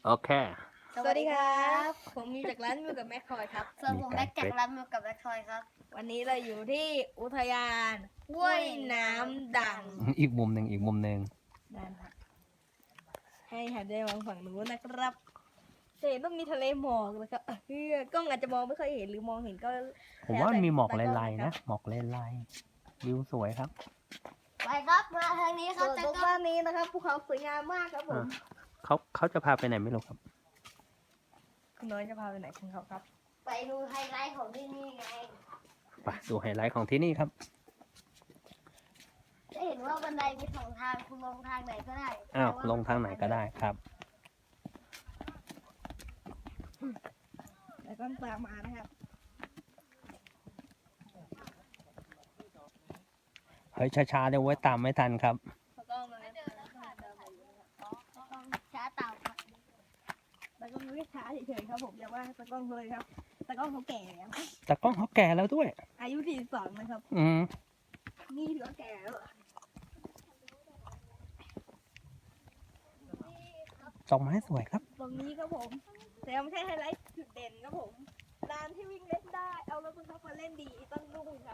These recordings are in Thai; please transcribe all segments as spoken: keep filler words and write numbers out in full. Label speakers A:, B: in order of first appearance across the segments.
A: โอเค
B: สวัสดีครับผมมีจากร้านมิวกับแมคคอยครับ
C: ส่วนผมแม็กจากร้านมิวกับแม็กทอยครับ
B: วันนี้เราอยู่ที่อุทยานห้วยน้ำดัง
A: อีกมุมหนึ่งอีกมุมหนึ่ง
B: นั่นครับให้หันได้มองฝั่งนู้นนะครับจะเห็นต้องมีทะเลหมอกนะครับเฮ้ยกล้องอาจจะมองไม่ค่อยเห็นหรือมองเห็นก็
A: ผมว่ามีหมอกลายๆนะหมอกลายๆวิวสวยครับ
C: ไปครับมาทางนี้ค
B: ส่
C: รับ
B: วน
C: จะ
B: ตรง
C: ก็
B: ด้านนี้นะครับภูเขาสวยงามมากครับผม
A: เขาเขาจะพาไปไหนไม่รู้ครับ
B: คุณน้อยจะพาไปไหนคุณเขาครับ
C: ไปดูไฮไลท์ของที่นี่ไง
A: ไปดูไฮไลท์ของที่นี่ครับ
C: จะเห็นว่าบันไดมีสองทางคุณลงทางไหนก็ได้
A: อ้าวลงทางไหนก็ได้ครับ
B: แล้วก็ตามมานะครับ
A: เฮ้ยช้าๆเดี๋ยวไว้ตามไม่ทันครับ
B: แล้วก็มา
C: ช้าเต่าครับ
B: แล้วก็ไม่ช้าเฉยๆครับผมอย่าว่าตะกล้องเลยครับตะกล้องเขาแก่แล้ว
A: แต่กล้องเขาแก่แล้วด้วย
B: อายุสี่สิบสองนะครับ
A: อืม
B: นี่ถือว่าแก่แล้วเหรอ
A: ดอกไม้สวยครับ
B: ตรงนี้ครับผม แต่ไม่ใช่ไฮไลท์จุดเด่นครับผมลานที่วิ่งเล่นได้ เอารถบังคับมาเล่นดีต้องนุ่งครับ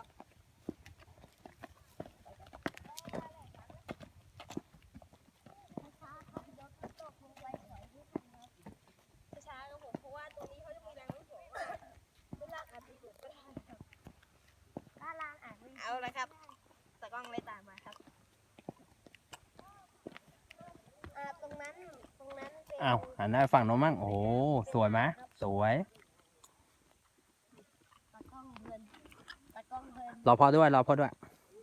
B: ช้าๆครับผมเพราะว่าตรงนี้เขาจะมีแรงโน้มถ่วงเวลาอาจจะหลุดก็ได้ครับ
C: ถ้าลานอ่านไม่
B: เอาละครับตะกล้องเลยตามมาครับ
C: อ่าตรงนั้นตรงนั้นเป็น
A: อ้าวหันหน้าไปฝั่งโน้นมั่งโอ้สวยไหมสวย
C: ตะกล้องเพลินตะกล้องเพลิน
A: รอพ่อด้วยรอพ่อด้วย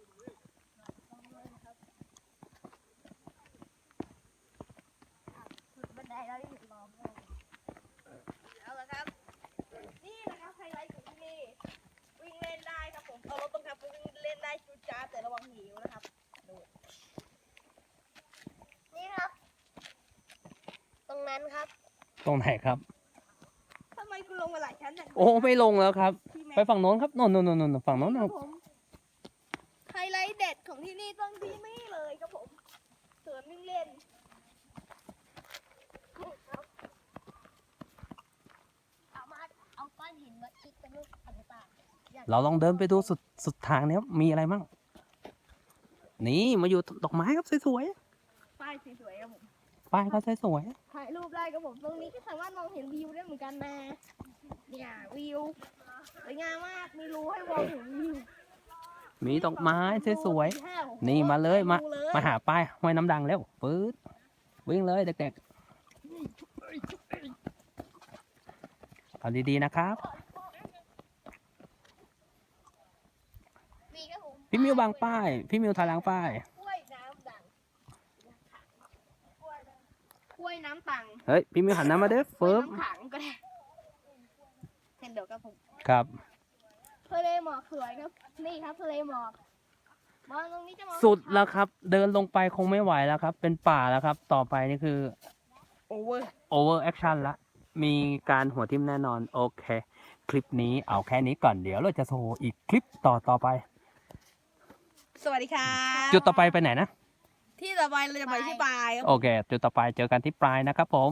C: สุดบันไดเราได้เห็นล้อมเลย
B: เอาละครับ นี่นะครับไฮไลท์ของที่นี่วิ่งเล่นได้ครับผมเอารถบังคับไปวิ่งเล่นได้จุดจ้าดแต่ระวังหิวนะครับดู
C: นี่ครับ ตรงนั้นครับ
A: ตรงไหนครับ
B: ทำไมคุณลงมาหลายชั้นจัง
A: โอ้ไม่ลงแล้วครับ
B: พี่แม็ก
A: ไปฝั่งโน้นครับโน่นโน่นโน่นฝั่งโน้น
B: ค
A: นะ
B: รับผมไฮไลท์เด็ดของที่นี่ต้องที่นี่เลยครับผมสวนวิ่งเล่นครับ
C: เอามาเอาก้อนหินมาคิดเป็นรูปต่าง
A: เราลองเดินไปดูสุดสุดทางเนี้ยมีอะไรมั่งนี่มาอยู่ดอกไม้ครับสวย
B: ป้ายสวยๆครับผม
A: ๆป้ายก็สวย
B: ถ่ายรูปได้ครับผมตรงนี้ก็สามารถมองเห็นวิวได้เหมือนกันนะเนี่ยวิวสวยงามมากมีรูให้มองเห็นวิว
A: ๆมีดอกไม้สวย
B: ห้าหก
A: ๆนี่มาเลยมา
B: ดูเลย
A: มาหาป้ายห้วยน้ำดังเร็วปื๊ดวิ่งเลยเด็กๆเอาดีๆนะครับ
C: มีครับผม
A: พี่มิวบางป้าย พี่มิวทาลังป้าย
B: กล้วยน้ำดังกล้วยน้ำตัง
A: เฮ้ยพี่มิวหันหน้ามาเด้อก
B: ล้วย
A: ฟึ๊บ
B: น้ำขังก็ได้เห็นเดี๋ยวกับผม
A: ครับ
B: ทะเลหมอกสวยครับนี่ครับทะเลหมอกมองตรงนี้จะมอง
A: สุดแล้วครับ เดินลงไปคงไม่ไหวแล้วครับ เป็นป่าแล้วครับ ต่อไปนี่คือ
B: โอเวอร์
A: over action ละ มีการหัวทิ่มแน่นอน โอเค คลิปนี้เอาแค่นี้ก่อน เดี๋ยวเราจะโชว์อีกคลิปต่อต่อไป
B: สวัสดีครับ
A: จุดต่อไปไปไหนนะ
B: ที่ต่อไปเราจะไปที่ปลายครับ
A: โอเค จุดต่อไปเจอกันที่ปลายนะครับผม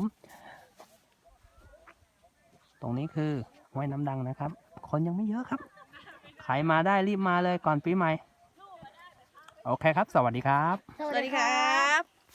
A: ตรงนี้คือห้วยน้ำดังนะครับ คนยังไม่เยอะครับ ใครมาได้รีบมาเลยก่อนปีใหม่ โอเคครับ สวัสดีครับ
B: สวัสดีครับ